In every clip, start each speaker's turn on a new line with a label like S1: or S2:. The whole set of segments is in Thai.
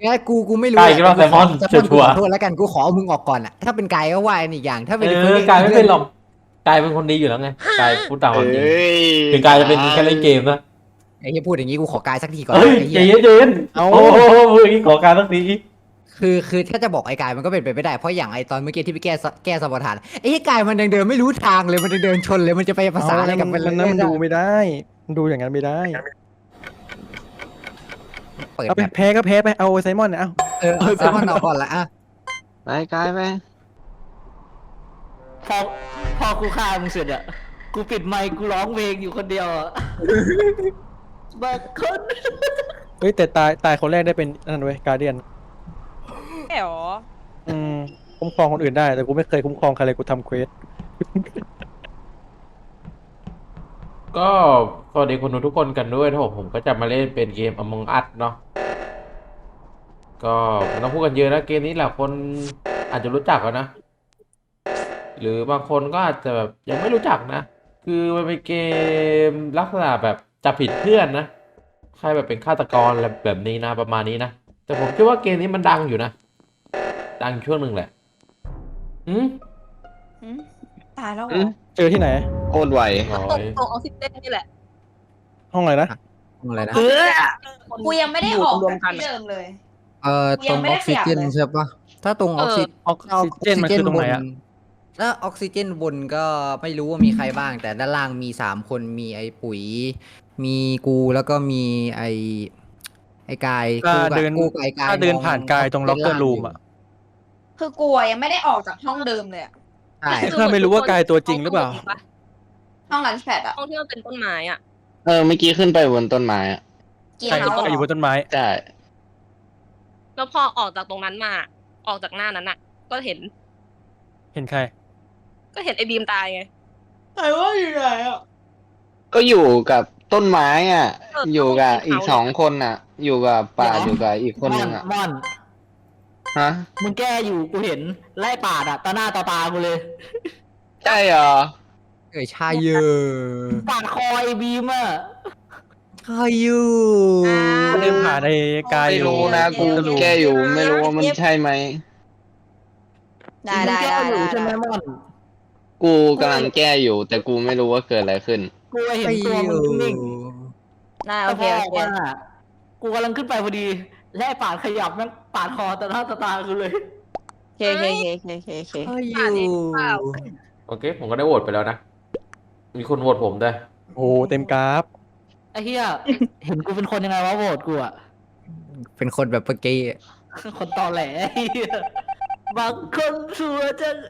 S1: งั้นกูไม่รู้
S2: กายคิดว่าแซลมอน
S1: แซลมอน
S2: ชัวร์
S1: ขอโทษแล้วกันกูขอเอามึงออกก่อนอ่ะถ้าเป็นกายก็ว่าอีกอย่างถ้าเป็น
S2: กายไม่เป็นหรอกกายเป็นคนดีอยู่แล้วไงกายพูดตามความจริงคือกายจะเป็นแค่เล่นเกมนะ
S1: ไอ้เหี้ยพูดอย่างนี้กูขอกายสักทีก่อน
S2: เฮ้ย
S1: ไอ้
S2: ใจ
S1: เหี้ย
S2: เย็นๆโอ้โหอย่างนี้ขอการสักที
S1: คือถ้าจะบอกไอ้กายมันก็เป็นไปไม่ได้เพราะอย่างไอ้ตอนเมื่อกี้ที่ไปแก้สมรทานไอ้เหี้ยกายมันยังเดินไม่รู้ทางเลยมันยังเดินชนเลยมันจะไปภาษาอะไรกับมัน
S3: นั้นมันดูไม่ได้มันดูอย่างนั้นไม่ได้
S1: เปิด
S3: เอาไป
S1: แบบ
S3: แพ้ก็แพ้ไปเอาไซมอนเอา
S1: แซลมอนออกก่อนละอ่ะ
S4: ไปกายไป
S5: พอกูฆ่ามึงเสร็จอ่ะกูปิดไมค์กูร้องเพลงอยู่คนเดียวอ่ะบางคน
S3: เฮ้ยแต่ตายคนแรกได้เป็นนั่นเว้ยการเดียน
S6: แอ๋ว
S3: คุ้มครองคนอื่นได้แต่กูไม่เคยคุ้มครองใครเลยกูทำเควส
S2: ก็สวัสดีคนดูทุกคนกันด้วยนะผมก็จะมาเล่นเป็นเกม Among Us เนาะก็ไม่ต้องพูดกันเยอะนะเกมนี้แหละคนอาจจะรู้จักกันนะหรือบางคนก็อาจจะแบบยังไม่รู้จักนะคือมันเป็นเกมลักษณะแบบจับผิดเพื่อนนะใครแบบเป็นฆาตกรอะไรแบบนี้นะประมาณนี้นะแต่ผมคิดว่าเกมนี้มันดังอยู่นะดังช่วงหนึ่งแหละอืม
S6: ตายแล้วเหร
S4: อื
S6: อ
S4: ม
S3: เจอที่ไหน
S4: โคตรไว
S2: ร้อ
S6: ตก
S2: ย
S6: ตกออกซิเจนนี่แหละ
S3: ห้องอะไรนะ
S1: อะไรนะ
S7: กูยังไม่ได้ออกจากที่เดิมเลย
S1: ตรงออกซิเจนใช่ปะถ้าตรงออกซิ
S3: ออกซิเจนมันคือตรงไหนอะ
S1: ถ้าออกซิเจนบนก็ไม่รู้ว่ามีใครบ้าง แต่ด้านล่างมี3 คนมีไอ้ปุ๋ย มีกูแล้วก็มีไอ้กาย
S3: ถ้าเดิน
S1: กูกับไอ้กาย
S3: ถ้าเดิน
S1: มอง
S3: ผ่านกายตรงล็อกเกอร์รูมอะ
S7: คือกูยังไม่ได้ออกจากห้องเดิมเลยอะ
S1: ใช่
S3: ถ้าไม่รู้ว่ากายตัวจริงหรือเปล่า
S7: ห้องลันช์แพดอะ
S6: ห้องที่มันเป็นต้นไม้อ่ะ
S4: เมื่อกี้ขึ้นไปบนต้นไม้อะ
S7: กิน
S3: ใคร
S7: เฮา
S3: ก็
S7: ส์
S3: อยู่บนต้นไม้
S4: ใช่
S6: แล้วพอออกจากตรงนั้นมาออกจากหน้านั้นอ่ะ ก็เห็น
S3: เห็นใคร
S6: ก็เห็นไอ้บีมตายไง
S7: แต่ว่าอยู่ไหนอะ
S4: ก็อยู่กับต้นไม้อ่ะ
S6: เออ
S4: อยู่กับ
S6: ต้นไม้
S4: อีก2 คนอ่ะ อยู่กับป่าอยู่กับอีกคนนึงอ่ะ
S5: ม่อน
S4: ฮะ
S5: มึงแก้อยู่กูเห็นไล่ปาดอ่ะต่อหน้าต่อตากูเลย
S4: ใช่เหรอ
S1: ชายเยอ
S5: ปาดคอไอ้บีมอ่ะ
S1: ชายเยอ
S3: ก็เดินผ่านไอ้กาย
S4: ไม่
S3: อยู่
S4: รู้นะกูแก้อยู่ไม่รู้ว่ามันใช่ไหม
S7: ได้
S5: มึง
S7: ได้
S5: แก้
S7: ได้
S5: อยู่
S7: ได้
S5: ใช่ไหมม่อน
S4: กูกำลังแก้อยู่ แต่กูไม่รู้ว่าเกิดอะไรขึ้น
S5: กูเห็นตัวมึงนิ่ง
S7: ได้
S5: ๆ
S7: โอเค
S5: แต่
S7: โอ
S5: พ
S7: เค
S5: อว่ากูกำลังขึ้นไปพอดีไล่ปาดขยับแม่งปาดคอต่อหน้าต่อตากูเลย
S7: โอเคโอเคโอเคโอเคโอเค
S1: ชายเย
S6: อ่านเองเปล่า
S2: โอเคผมก็ได้โหวตไปแล้วนะมีคนโหวตผมด้วย
S3: โอ้โหเต็มกราฟ
S5: ไอ้เหี้ย เห็นกูเป็นคนยังไงวะโหวตกูอ่ะ
S1: เป็นคนแบบเมื่อกี้
S5: คนตอแหลไอ้เหี้ยบางคนชัวร์จัง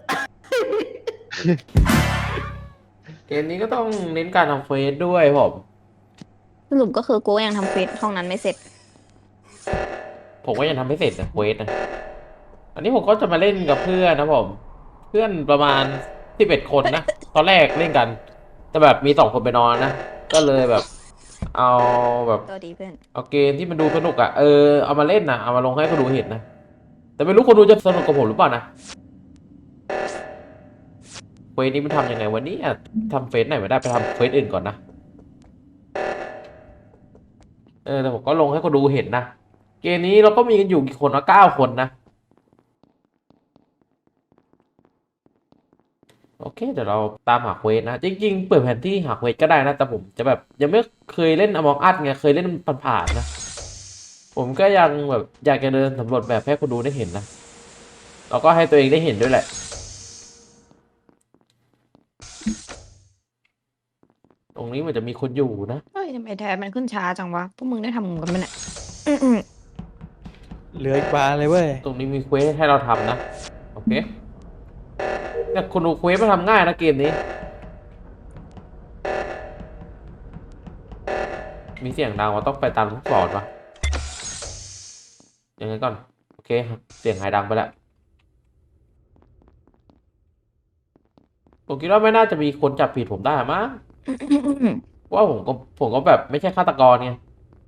S2: เกมนี้ก็ต้องเน้นการทำเฟซด้วยผม
S7: สรุปก็คือกูยังทำเฟซห้องนั้นไม่เสร็จ
S2: ผมก็ยังทำไม่เสร็จนะเควสนะอันนี้ผมก็จะมาเล่นกับเพื่อนนะผมเพื่อนประมาณ11 คนนะตอนแรกเล่นกัน แต่แบบมี2 คนไปนอนนะก็เลยแบบ เอาแบบ
S7: ตัวดีเพื่อน
S2: เอาเกมที่มันดูสนุกอ่ะเอามาเล่นนะเอามาลงให้คนดูเห็นนะแต่ไม่รู้คนดูจะสนุกกับผมหรือเปล่านะเฟซนี้มันทำยังไงวันนี้ทำเฟซไหนไม่ได้ไปทำเฟซอื่นก่อนนะแต่ผมก็ลงให้คนดูเห็นนะเกมนี้เราก็มีกันอยู่กี่คนวะ9 คนนะโอเคเดี๋ยวเราตามหาเควสนะจริงๆเปิดแผนที่หาเควสก็ได้นะแต่ผมจะแบบยังไม่เคยเล่น Among Us ไงเคยเล่นผ่านๆนะผมก็ยังแบบอยากจะเดินสำรวจแบบให้คนดูได้เห็นนะแล้วก็ให้ตัวเองได้เห็นด้วยแหละตรงนี้มันจะมีคนอยู่นะ
S7: เฮ้ยทำไมแทนมันขึ้นช้าจังวะ พวกมึงได้ทำกันไหมเนี่ย
S3: เหลืออีกบานเลยเว้ย
S2: ตรงนี้มีเควสให้เราทำนะโอเคแต่คนดูเควสมาทำง่ายนะเกมนี้ มีเสียงดังว่าต้องไปตามลูกศรปะอย่างนั้นก่อนโอเคเสียงหายดังไปแล้วผมคิดว่าไม่น่าจะมีคนจับผิดผมได้มั้งว่าผมก็แบบไม่ใช่ฆาตกรไง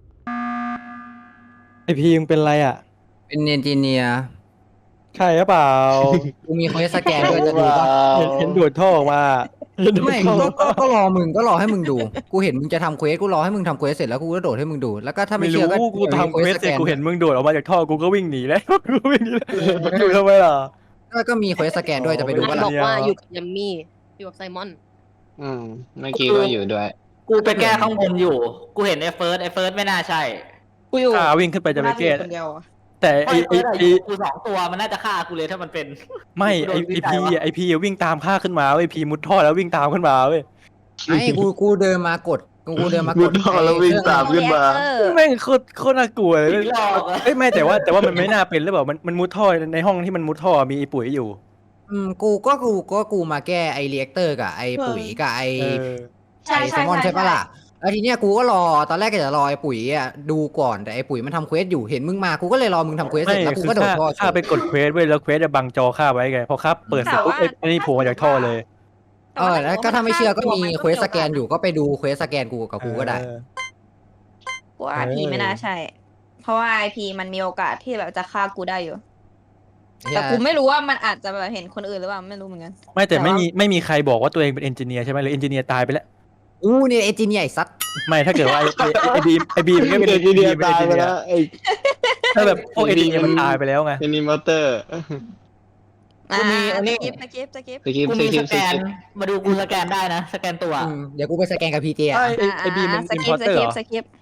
S3: ไอพีมึงเป็นไรอ่ะ
S1: เป็นเอนจิเนียร์
S3: ใช่หรือเปล่า
S1: กูมีเควสสแกนด้วยจะดูปะ
S3: เห็นดูดท่อออกมา
S1: ไม่ก็รอมึงก็รอให้มึงดูกูเห็นมึงจะทำเควสกูรอให้มึงทำเควสเสร็จแล้วกูก็โดดให้มึงดูแล้วก็ถ้าไม่
S3: ไม่
S1: เชื่อก็
S3: รู้กูทำเควสเสร็จ
S1: สแน
S3: กูเห็นมึงโดดออกมาจากท่อกูก็วิ่งหนีแล้วกูวิ่งหนีแล้วอยู่ทำไมล่ะ
S1: ก็มีเควสสแกนด้วยจะไปดู
S6: มั
S1: ว่าน
S6: บอกว่า
S3: เนี่ย
S6: อยู่กับยัมมี่อยู่กับไซมอน
S4: เมื่อกี้ก็อยู่ด้วย
S5: กูไปแก้ข้างบนอยู่ กูเห็นไอ้เฟิร์สไม่น่าใช่
S7: กูอยู่
S3: วิ่งขึ้นไปจะไปแก้
S7: คนเดียวอะ
S3: แต่
S5: ไอ้เฟิร์สอะอยู่กู2 ตัวมันน่าจะฆ่ากูเลยถ้ามันเป็น
S3: ไม่ไอพีวิ่งตามข้าขึ้นมาไอพีมุดท่อแล้ววิ่งตามขึ้นมาเว้ย
S1: ไอ้กูเดินมากดกูเดินมากด
S4: แล้ววิ่งตาม ขึ้นมา
S7: เออ
S3: แม่งโคตรน่ากลัวเลย
S5: ผีหลอกอะ
S3: เอ้ยไม่แต่ว่ามันไม่น่าเป็นหรือเปล่ามันมุดท่อในห้องที่มันมุดท่อมีไอปุ๋ยอยู่
S1: กูมาแก้ไอเรียกเตอร์กับไอปุ๋ยกับไอ
S7: ใช่
S1: ไอ
S7: ใช่
S1: แซลมอน
S7: ใช่
S1: ใช่ปะล่ะแล้วทีเนี้ยกูก็รอตอนแรกก็จะรอไอปุ๋ยอ่ะดูก่อนแต่ไอปุ๋ยมันทำเควสอยู่เห็นมึงมากูก็เลยรอมึงทำเควสเสร็จแล้วกู
S3: คือ
S1: ก็โดดท่อ
S3: ข้าไปกดเควสเว้ยแล้วเควสจะบังจอข้าไว้ไงพอข้าเปิดเสร็จปุ๊บไอ้นี่โผล่มาจากท่อเลย
S1: แล้วก็ถ้าไม่เชื่อก็มีเควสสแกนอยู่ก็ไปดูเควสสแกนกูกับกูก็ได้
S7: กูว่าไอพีไม่น่าใช่ เพราะว่าไอพีมันมีโอกาสที่แบบจะฆ่ากูได้อยู่ แต่กูไม่รู้ว่ามันอาจจะแบบเห็นคนอื่นหรือเปล่าไม่รู้เหมือนกัน
S3: ไม่แต่ไม่มีใครบอกว่าตัวเองเป็นเอนจิเนียร์ใช่ไหมหรือเอนจิเนียร์ตายไปแล้ว
S1: อู้เนี่ยเอจิเนียไอซัด
S3: ไม่ถ้าเกิดว่าไอบีมมันก็เป็น
S4: เอนจิเนียร์ตายไปแล้ว
S3: ถ้าแบบพวกเอนจิเนียร์มันตายไปแล้วไง
S4: แอนิเมเตอร์
S5: กูมีอันนี้
S7: สกิป
S4: สกิป
S5: กู
S4: ส
S5: มี
S4: กิ
S5: ส
S4: ป
S5: แกนมาดูกูสแกนได้นะสแกนตัว
S1: เดี๋ยวกูไปสแกนกับพีเจอ่ะ
S3: ไอบีมมัน
S7: ส
S3: อิน
S7: กิ
S3: พอ
S7: ป
S3: ร์เตอร์เหรอ
S7: สกิป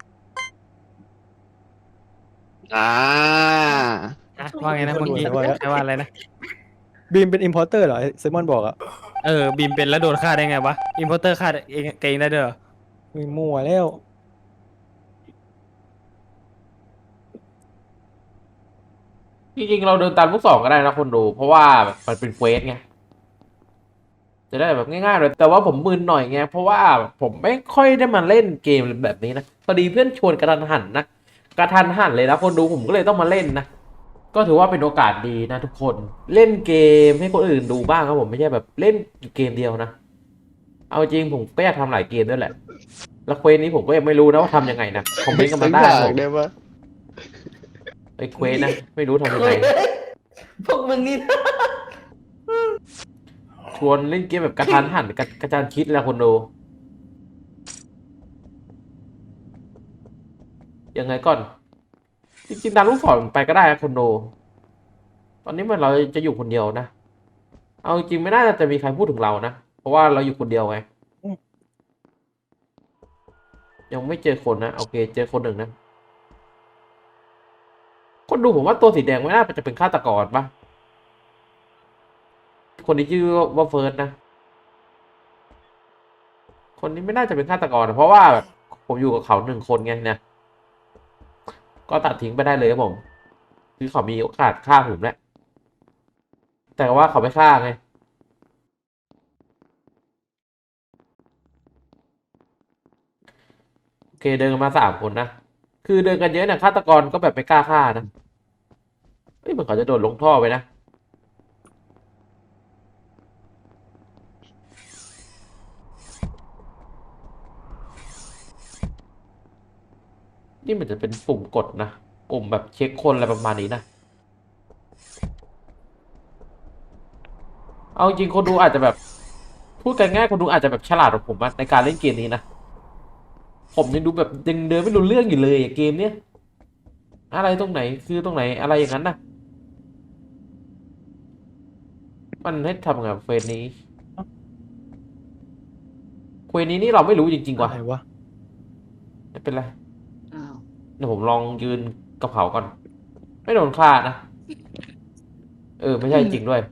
S8: ว่าไงนะเมื่อกี้ใช่ว่าอะไรนะ
S3: บีมเป็นอินพอร์เตอร์เหรอเซมอนบอกอะ
S8: บีมเป็นแล้วโดนฆ่าได้ไงวะอินพอร์เตอร์ฆ่าเองได้ด้วยเหรอ
S3: มีมั่วแล้ว
S2: จริงๆเราเดินตามลูกศรก็ได้นะคนดู เพราะว่ามันเป็นเควสไงจะได้แบบง่ายๆเลยแต่ว่าผมมึนหน่อยไงเพราะว่าผมไม่ค่อยได้มาเล่นเกมแบบนี้นะพอดีเพื่อนชวนกระทันหันนะกระทันหันเลยนะคนดูผมก็เลยต้องมาเล่นนะก็ถือว่าเป็นโอกาสดีนะทุกคนเล่นเกมให้คนอื่นดูบ้างครับผมไม่ใช่แบบเล่นเกมเดียวนะเอาจริงผมก็อยากทำหลายเกมด้วยแหละแล้วเควสนี้ผมก็ยังไม่รู้นะว่าทำยังไงนะคอมเมนต์กันมาได้ผม
S4: ได้ปะ
S2: ไอ้เควสนะไม่รู้ทำยังไง
S5: พวกมึงนี่
S2: ชวนเล่นเกมแบบกระทันหันกระจานคิดแล้วคนดูยังไงก่อนจริงๆตามลูกศรไปก็ได้นะคนดูตอนนี้มันเราจะอยู่คนเดียวนะเอาจริงไม่น่าจะมีใครพูดถึงเรานะเพราะว่าเราอยู่คนเดียวไงยังไม่เจอคนนะโอเคเจอคนหนึ่งนะคนดูผมว่าตัวสีแดงไม่น่าจะเป็นฆาตกรปะคนที่ชื่อว่าเฟิร์สนะ คนนี้ไม่น่าจะเป็นฆาตกรนะเพราะว่าแบบผมอยู่กับเขา1 คนไงเนี่ยก็ตัดทิ้งไปได้เลยครับผมคือเขามีโอกาสฆ่าผมแหละแต่ว่าเขาไม่ฆ่าไงโอเคเดินกันมา3 คนนะคือเดินกันเยอะเนี่ยฆาตกรก็แบบไม่กล้าฆ่านะเฮ้ยเหมือนเขาจะโดดลงท่อไปนะนี่มันจะเป็นปุ่มกดนะปุ่มแบบเช็คคนอะไรประมาณนี้นะเอาจริงคนดูอาจจะแบบพูดกันง่ายคนดูอาจจะแบบฉลาดกว่าผมอะในการเล่นเกมนี้นะผมยังดูแบบยังเดินไม่รู้เรื่องอยู่เลยอะเกมเนี้ยอะไรตรงไหนคือตรงไหนอะไรอย่างนั้นนะมันให้ทำไงกับเฟสนี้เฟสนี้นี่เราไม่รู้จริงๆว่ะ
S3: อะไรวะ
S2: ไม่เป็นไรเดี๋ยวผมลองยืนกับเขาก่อนไม่โดนฆ่านะไม่ใช่จริงด้วย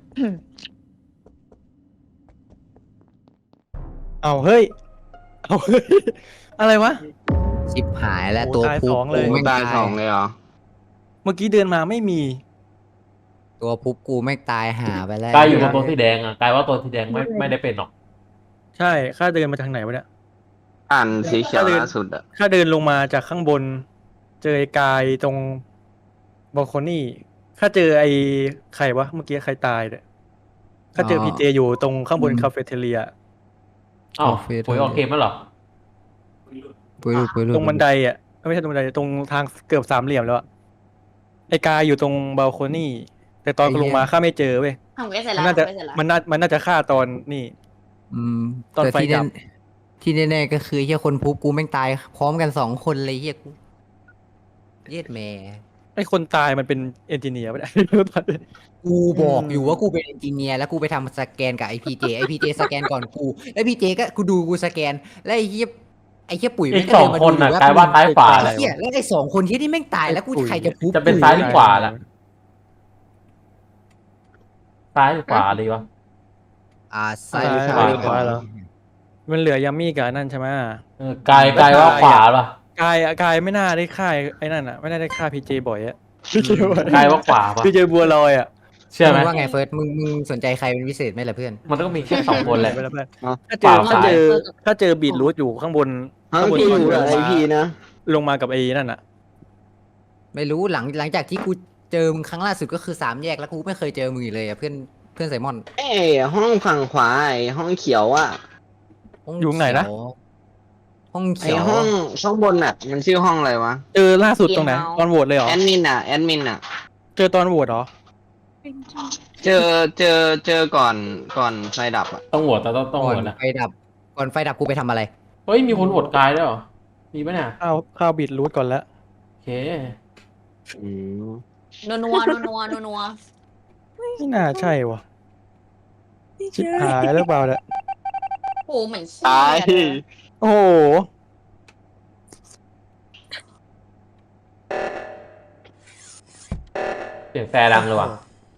S3: เอาเฮ้ยอะไรวะ
S1: ชิบหายแล้ว
S3: โอ้
S1: ตัว
S3: ตาย
S1: พุ
S3: ส
S1: บ
S3: องเลย
S1: กูไม่
S4: ตาย2เลยเหรอ
S3: เมื่อกี้เดินมาไม่มี
S1: ตัวพุบกูไม่ตายหาไปแล้ว
S2: กายอยู่กับตัวสีแดงอ่ะกายว่าตัวสีแดงไม่ได้เป็นหรอก
S3: ใช่ข้าเดินมาทางไหนวะเนี่ย
S4: อ่านสีเขียวล่าสุดอะ
S3: ข้าเดินลงมาจากข้างบน เจอไอ้กายตรงบอลโคนี่ข้าเจอไอ้ใครวะเมื่อกี้ใครตายเนี่ยข้าเจอพีเจอยู่ตรงข้างบนคาเฟ่เทเลีย
S2: อ้าวปุ๋ยออกเกมแล้วเหรอ
S1: ปุยลุปุยลุ
S3: ตรงบันไดอ่ะไม่ใช่ตรงบันไดตรงทางเกือบ3 เหลี่ยมแล้วอะไอ้กายอยู่ตรงบาลโคนี่แต่ตอนลงมาข้าไม่เจอเว้ย
S7: ทำเวสเสร็จแล้
S3: มั
S7: วน
S3: น่าจะ
S7: ทำเวสเสร็จแล้ว
S3: มันน่าจะฆ่าตอนนี่
S1: อืม
S3: ตอน
S1: แต่
S3: ไฟดับ
S1: ที่แน่ๆก็คือเฮียคนพูกูแม่งตายพร้อมกัน2 คนเลยเฮียกูเย็ดแม่
S3: ไอ้คนตายมันเป็นเอนจิเนียร์ไม่ได้
S1: กูบอกอยู่ว่ากูเป็นเอนจิเนียร์แล้วกูไปทำสแกนกับไอพีเจสแกนก่อนกูแล้วพีเจก็กูดูกูสแกนแล้วไอ้เหี้ยปุ๋ย
S2: อี
S1: แม่
S2: ก
S1: งก็
S2: สอ
S1: เดิ
S2: ง
S1: นมา
S2: ค
S1: ดู
S2: น
S1: อยู่
S2: น่ะ
S1: ว่
S2: กลายว่าซ้ายขวา
S1: ไอ้
S2: แล้ว
S1: เหี้ยแล้วไอ้2 คนที่นี่แม่งตายแล้วกู
S3: ไอ้ปุ๋ย
S1: ใครจะพูด
S2: จะเป็นซ้ายหรือขวาล่ะ ซ้ายหรือขวาดีวะ
S1: ซ้าย
S3: ซ้าย
S1: หรือข
S3: ขวา
S1: วา
S3: ขวาเหรอ มันเหลือยัมมี่กับอันนั่นใช่ไหม
S2: กายว่าขวาป่ะ
S3: กายไม่น่าได้ฆ่าไอ้นั่นอ่ะไม่น่าได้ฆ่าพีเจบ่อยอะ
S2: กายว่าขวาป่ะ
S3: พีเจบัวลอยอ่ะ
S2: เชื่อไหม
S1: มึงว่าไงเฟิร์สมึงสนใจใครเป็นพิเศษไหมล่ะเพื่อน
S2: มันต้องมีแค่2 คนแหละ
S3: ไปแล้วเพื่อน
S4: อ๋อ
S3: ถ้าเจอบีทรูทอยู่ข้างบน
S4: ฮะ
S3: ข้างบน
S4: กูอยู่กับไอพีนะ
S3: ลงมากับไอ้นั่นอ่ะ
S1: ไม่รู้หลังจากที่กูเจอมึงครั้งล่าสุดก็คือ3 แยกแล้วกูไม่เคยเจอมึงอีกเลยอะเพื่อนไซมอน
S4: เอ้ยห้องฝั่งขวาไอห้องเขียวอ่ะ
S3: อยู่ไหนนะ
S1: ห้อง
S4: ไอ
S1: เขียว
S4: ห้องข้างบนอ่ะ มันชื่อห้องอะไรวะ
S3: เจอล่าสุดตรงไหนตอนโหวตเลยเหรอ
S4: แอดมินอ่ะ
S3: เจอตอนโหวตเหรอ
S4: เจอก่อนไฟดับอ่ะ
S2: ต้องโหวตแต่ต้องโห
S1: ก่
S2: ว
S1: อน
S2: ตนะ
S1: ไฟดับก่อนไฟดับกูไปทำอะไร
S2: เฮ้ยมีคนโหวตกายด้วยเหรอ มีปะเนี่ย
S3: ข้าวบีทรูทก่อนแล้ว
S2: โอเค
S4: อืม
S7: นัวนัว
S3: ไม่น่าใช่วะชิบหายแล้วเปล่าเนี่ย
S7: โอ้เหมือนขี้
S4: ตาย
S7: เลย
S3: โอ้โห
S2: เสียงแต่ดังเลยว่ะ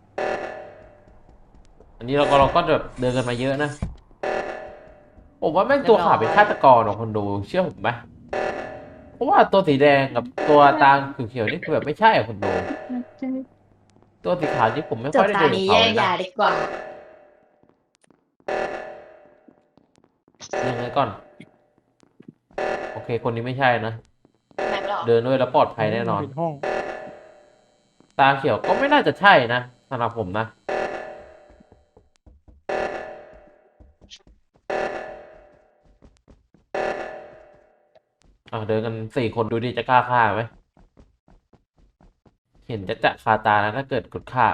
S2: อันนี้เราก็แบบเดินกันมาเยอะนะ ผมว่าแม่งตัวขาวเป็นฆาตกรของคนดูเชื่อผมไหมเพราะว่าตัวสีแดงกับตัวตาเขียวๆนี่คือแบบไม่ใช่อะคนดู ตัวสีขาวนี่ผมไม่
S7: จ
S2: ค่อบ ยได้
S7: ตา
S2: เจอ
S7: ดี
S2: เขา
S7: แย
S2: เล
S7: ก
S2: ย
S7: ยา
S2: นะ
S7: ดีกว่า
S2: ยังไงก่อน โอเค คนนี้ไม่ใช่นะ
S7: แม็กหรอ
S2: เดินด้วยแล้วปลอดภัยแน่นอน
S3: ปิดห้อง
S2: ตาเขียวก็ไม่น่าจะใช่นะสำหรับผมนะ เดินกัน4 คนดูดิจะกล้าฆ่าไหม เห็นจะคาตาแล้วถ้าเกิดกดฆ่า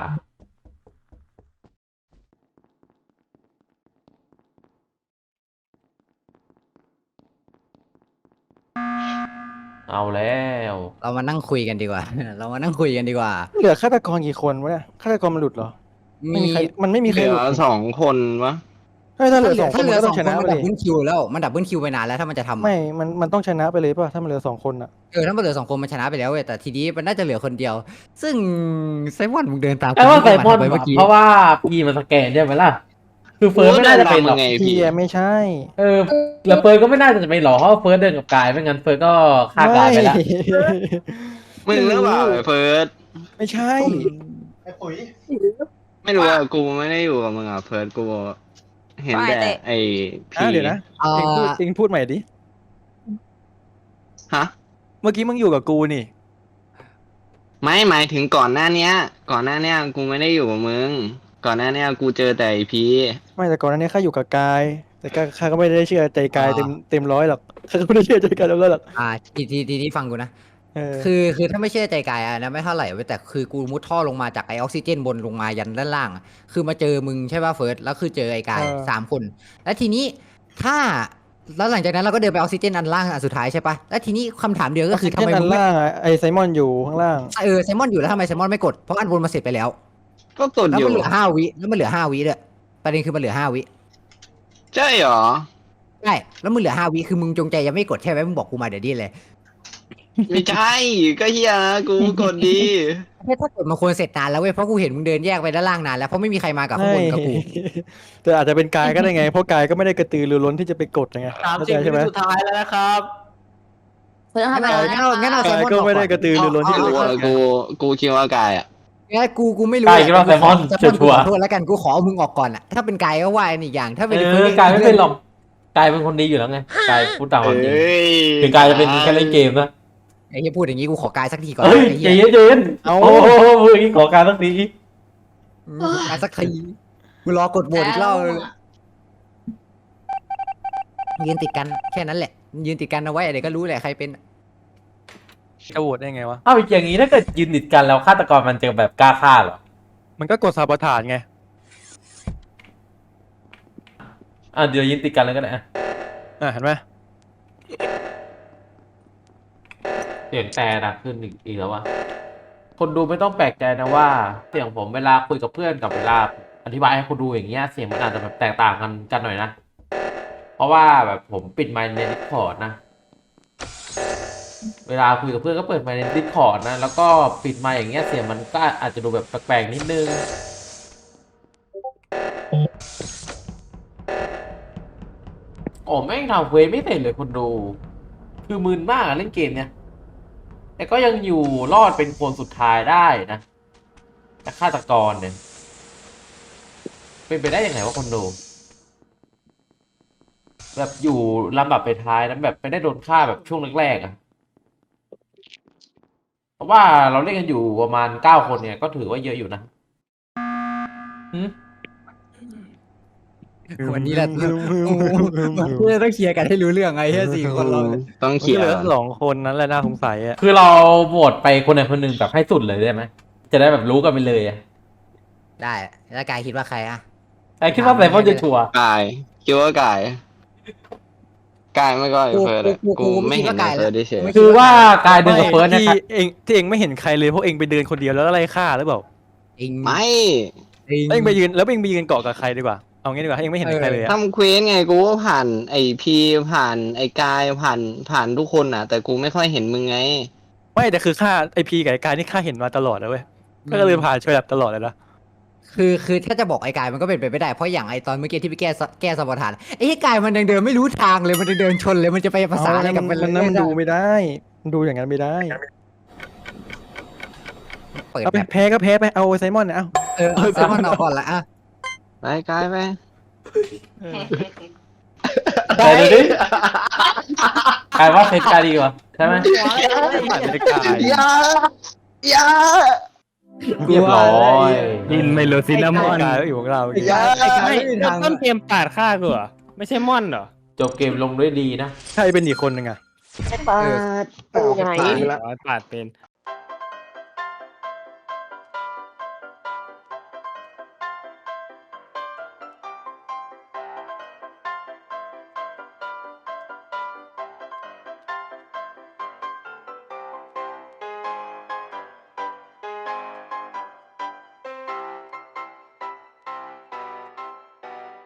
S2: เอาแล้ว
S1: เรามานั่งคุยกันดีกว่า เรามานั่งคุยกันดีกว่า
S3: เหลือฆาตกรกี่คนวะเนี่ยฆาตกรมันหลุดเหรอ ไม่มีใครมันไม่มีใค
S4: เห
S3: ร
S4: ลื
S3: หลุ
S4: อ
S3: ด
S4: 2 คนวะ
S3: ถ้าเหลือ2 คน
S1: ถ้าเห
S3: มั
S1: ลื
S3: น
S1: อ
S3: ก็
S1: ส
S3: ต้
S1: อ
S3: อง ง
S1: ค
S3: ช
S1: น
S3: นะ
S1: มัน
S3: ไป
S1: ดับ
S3: ดิ
S1: เบิลคิวแล้วมันดับเบิลคิวไปนานแล้วถ้ามันจะทำอะ
S3: ไม่มันต้องชนะไปเลยป่ะถ้ามันเหลือ2 คนอ่ะ
S1: ถ้ามันเหลือ2 คนมันชนะไปแล้วเว้ยแต่ทีนี้มันน่าจะเหลือคนเดียว ซึ่งไซมอนมึงเดินตาม
S2: ไอ้ว่าไซมอน
S1: ไปเมื่อกี้
S2: เพราะว่าพี่มันสแกนใช่ไหมล่ะ คือเฟิร์สไม่น่าจะเป็นหรอก
S4: ไง
S3: พี
S4: พี่
S3: ไม่ใช่
S2: แล้วเฟิร์สก็ไม่น่าจะไปหรอกเพราะว่าเฟิร์สเดินกับกายไม่งั้นเฟิร์สก็ฆ่ากายไปแล้ว
S4: มึงหรือเปล่าไอ้เฟิร์ส
S3: ไม่ใช่
S4: ไม่รู้อ่ะกูไม่ได้อยู่กับมึงอ่ะเฟิร์สกูเห็นแต่ไอ้พี
S3: เดี๋ยวนะเองพูดใหม่ดิ
S4: ฮะ
S3: เมื่อกี้มึงอยู่กับกูนี่
S4: ไม่หมายถึงก่อนหน้าเนี้ยกูไม่ได้อยู่กับมึง ก่อนหน้าเนี้ยกูเจอแต่ไอ้พี
S3: ไม่แต่ก่อนหน้านี้ข้าอยู่กับกาย แต่ข้าก็ไม่ได้เชื่อใจกายเต็มร้อยหรอกข้าก็ไม่ได้เชื่อใจกายเต็มร้อยหรอก
S1: ทีนี้ฟังกูนะ
S3: เออ
S1: คือถ้าไม่เชื่อใจกายอะนะไม่เท่าไหร่เว้ยแต่คือกูมุดท่อลงมาจากไอออกซิเจนบนลงมายันด้านล่างอะคือมาเจอมึงใช่ป่ะเฟิร์สแล้วคือเจอไอกาย3 คน แล้วทีนี้แล้วหลังจากนั้นเราก็เดินไปออกซิเจนอันล่างอันสุดท้ายใช่ป่ะแล้วทีนี้คำถามเดียวก็คือทำไม
S3: ด้า
S1: มึ
S3: น
S1: งไม่
S3: ล่างอะไอไซมอนอยู่ข้างล่าง
S1: ไซมอนอยู่แล้วทำไมไซมอนไม่กดเพราะอันบนมาเสร็จไปแล้ว
S4: ก็กด
S1: แล้ว
S4: อยู่
S1: มันเหลือ5 วิแล้วมันเหลือ5 วิด้วยประเด็นคือมันเหลือ5 วิ
S4: ใช่เหรอ
S1: ใช่แล้วมึงเหลือ5 วิคือมึงจงใจยังไม่กดใช่ไหมมึงบอกกูมาเดี๋ยวนี้เลย
S4: ไม่ใช่ก็เฮียนะกูกดดี
S1: ถ้ากดมาควรเสร็จนานแล้วเว้ยเพราะกูเห็นมึงเดินแยกไปด้านล่างนานแล้วเพราะไม่มีใครมากับข้างบนกับกู
S3: แต่อาจจะเป็นกายก็ได้ไง เพราะกายก็ไม่ได้กระตือรือร้นที่จะไปกดไงเข้าใจใช่ไหม
S5: สุดท้ายแล้วนะครับ
S7: เพื่อนทำอะไร
S1: งั้นเอาไซ
S3: กาย
S1: มอน
S3: ก็
S1: ออก
S3: ไม่ได้ก
S1: ก่อ
S3: ระตือรือร้นที่
S4: กู
S3: จะไปกด
S4: กูคิดว่ากายอ่ะ
S1: นกูไม่รู้
S2: กายคิดว่าไซมอน
S1: กู
S2: ชัวร์
S1: ขอโทษแล้วกันกูขอเอามึงออกก่อนอะถ้าเป็นกายก็ว่าอันอีกอย่าง ถ้าเป็น
S2: กายไม่เป็นหรอกกายเป็นคนดีอยู่แล้วไงกายพูดตามความจริง คือกายจะเป็นแค่เล่นเกมนะ
S1: ไอ้เหี้ยพูดอย่างงี้กูขอกายสักทีก่อน
S2: เฮ้ย
S1: ไอ้
S2: ใจ
S1: เหี้ย
S2: เย็นๆโอ้โหมือนี้ขอการสักที
S1: กายสักทีกูรอกดโหวตอีกรอบยืนติดกันแค่นั้นแหละยืนติดกันเอาไว้เดี๋ยวก็รู้แหละใครเป็น
S3: จะโหวตได้ไงวะ
S2: อ้าวอย่างนี้ถ้าเกิดยืนติดกันแล้วฆาตกรมันจะแบบกล้าฆ่าเหรอ
S3: มันก็กดซาบอทานไง
S2: เดี๋ยวยินติดกันเลยก็ได้อะ
S3: เห็นไหม
S2: เสียงแต่ดังขึ้นอีกแล้ววะคนดูไม่ต้องแปลกใจนะว่า เสียงผมเวลาคุยกับเพื่อนกับเวลาอธิบายให้คนดูอย่างเงี้ยเสียงมันอาจจะแบบแตกต่างกันหน่อยนะ เพราะว่าแบบผมปิดไมค์ใน Discord นะ เวลาคุยกับเพื่อนก็เปิดไมค์ใน Discord นะ แล้วก็ปิดไมค์อย่างเงี้ยเสียงมันก็อาจจะดูแบบแปลกๆนิดนึง โอ้แม่งทำเควสไม่เสร็จเลยคนดู คือมึนมากอะเล่นเกมเนี้ยแต่ก็ยังอยู่รอดเป็นคนสุดท้ายได้นะแต่ฆาตกรเนี่ยเป็นไปได้ยังไงวะคนดู แบบอยู่ลำดับไปท้ายนะแบบไม่ได้โดนฆ่าแบบช่วงแรกๆอะเพราะว่าเราเล่นกันอยู่ประมาณ9 คนเนี่ยก็ถือว่าเยอะอยู่นะหืม
S1: วันนี้แหละวันนี้เราต้องเคลียร์กันให้รู้เรื่องไงแค่4 คนเราเนี่ย
S4: ต้อง
S3: มัน
S4: เขีย
S3: เห
S4: น
S3: ลือ2 คนนั้นแหละน่าสงสัยอ่ะ
S2: คือเราโหวตไปคนใดคนหนึ่งแบบให้สุดเลยได้ไหมจะได้แบบรู้กันไปเลยอะ
S1: ได้แล้วกายคิดว่าใครอะ
S2: ไอ้คิดว่าไซมอนจะชัวร์
S4: กายคิดว่ากายไม่ก็ไอ้เฟิร์สอะกูไม่เห็นไอ้เฟิร์สเฉย
S2: คือว่ากายเดินกับเฟิร์สเนี่ย
S3: ที่เองไม่เห็นใครเลยเพราะเองไปเดินคนเดียวแล้วอะไรฆ่าหรือเปล่า
S1: เอง
S4: ไม่
S3: เองไปยืนเกาะกับใครดีกว่าเอางี้ดีกว่าเองไม่เห็นใครเลยอะ
S4: ทำเควสไงกูก็ผ่านไอพีผ่านไอกายผ่านทุกคนอ่ะ แต่กูไม่ค่อยเห็นมึงไง
S3: ไม่แต่คือฆ่าไอพีกับไอ้กายนี่ฆ่าเห็นมาตลอดเลยเว้ยก็เลยผ่านช่วยแบบตลอดเลยนะ
S1: คือถ้าจะบอกไอ้กายมันก็เป็นไปไม่ได้เพราะอย่างไอ้ตอนเมื่อกี้ที่ไปแก้สมรฐานไอ้กายมันยังเดินไม่รู้ทางเลยมันยังเดินชนเลยมันจะไปภาษาอะไรกับมัน
S3: มันดูไม่ได้มันดูอย่างนั้นไม่ได้
S1: เปิด
S3: เอาไป
S1: แบบ
S3: แพ้ก็แพ้ไปเอาไซมอนเนี่ยเอา
S1: แซมมอนเอาก่อนละอ่ะ
S4: ไปกายไป
S2: แต่ดูดิกายว่าเซตกายดีกว่าใช่ไหม
S3: ผ่านไปกาย
S4: อย่า
S2: เรียบร้อย
S8: ดินไมโลซินามอน
S3: กายก็อยู่ของเรา
S1: ไอ้กาย
S8: ไม่
S1: ไม่มีทาง
S8: ต้นเกมปาดฆ่ากูเหรอไม่ใช่ม่อนเหรอ
S2: จบเกมลงด้วยดีนะ
S3: ใครเป็นอีกคนหนึ่งอะ
S1: เออ
S8: ปาดเป็น